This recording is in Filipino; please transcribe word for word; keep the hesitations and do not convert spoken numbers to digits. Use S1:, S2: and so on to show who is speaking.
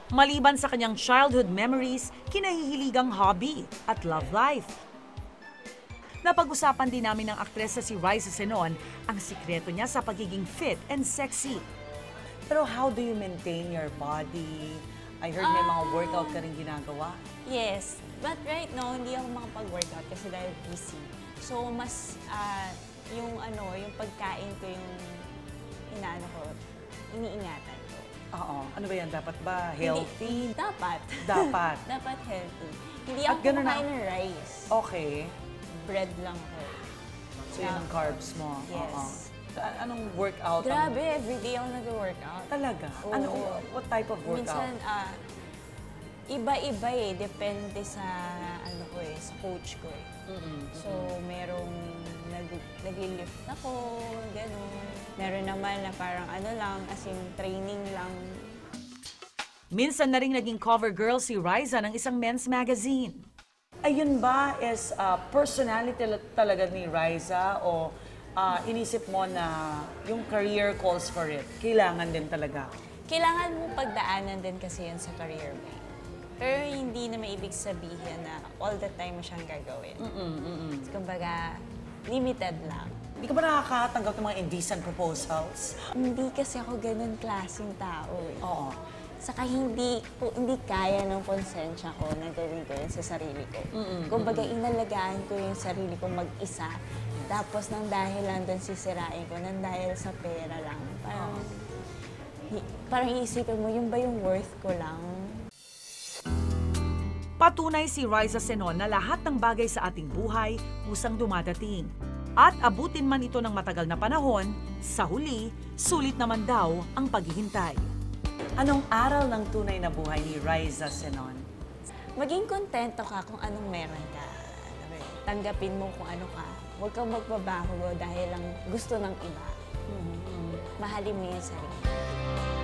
S1: Maliban sa kanyang childhood memories, kinahihiligang hobby at love life. Napag-usapan din namin ng aktres na si Riza Senon ang sikreto niya sa pagiging fit and sexy. Pero how do you maintain your body? I heard may mga workout ka rin ginagawa.
S2: Yes, but right now, hindi ako makapag-workout kasi dahil busy. So, mas ah, yung ano, yung pagkain ko yung inaano ko, iniingatan ko.
S1: Oo. Ano ba yan? Dapat ba healthy?
S2: Hindi, dapat.
S1: Dapat.
S2: Dapat healthy. Hindi
S1: At
S2: ako
S1: ganun na-
S2: kumakain ng rice.
S1: Okay.
S2: Bread lang ako.
S1: So yun ang carbs mo.
S2: Yes.
S1: Oo. A- Anong workout? ang-
S2: Grabe, everyday ako nag-workout.
S1: Talaga?
S2: Oo.
S1: Ano, what type of workout?
S2: Minsan, ah, iba-iba eh. Depende sa, ano ko eh, sa coach ko eh. So, merong nag, nag-lift ako, gano'n. Meron naman na parang ano lang, as in training lang.
S1: Minsan na rin naging cover girl si Riza ng isang men's magazine. Ayun ba is uh, personality talaga ni Riza o uh, inisip mo na yung career calls for it? Kailangan din talaga.
S2: Kailangan mo pagdaanan din kasi yan sa career mo. Pero hindi na maibig sabihin na all the time mo siyang gagawin.
S1: Mm-mm, mm-mm.
S2: Kumbaga, limited lang.
S1: Hindi ka ba nakakatanggap ng mga indecent proposals?
S2: Hindi kasi ako ganun klaseng tao eh.
S1: Oo.
S2: Saka hindi, ko, hindi kaya ng konsensya ko na gawin ko yun sa sarili ko. Kumbaga, inalagaan ko yung sarili ko mag-isa. Tapos nang dahil lang doon sisirain ko, nang dahil sa pera lang. Parang, hi- parang iisipin mo, yun ba yung worth ko lang?
S1: Patunay si Riza Senon na lahat ng bagay sa ating buhay kusang dumadating. At abutin man ito ng matagal na panahon, sa huli, sulit naman daw ang paghihintay. Anong aral ng tunay na buhay ni Riza Senon?
S2: Maging kontento ka kung anong meron ka. Tanggapin mo kung ano ka. Huwag kang magbabago dahil lang gusto ng iba. Mahalin mo yung sarili.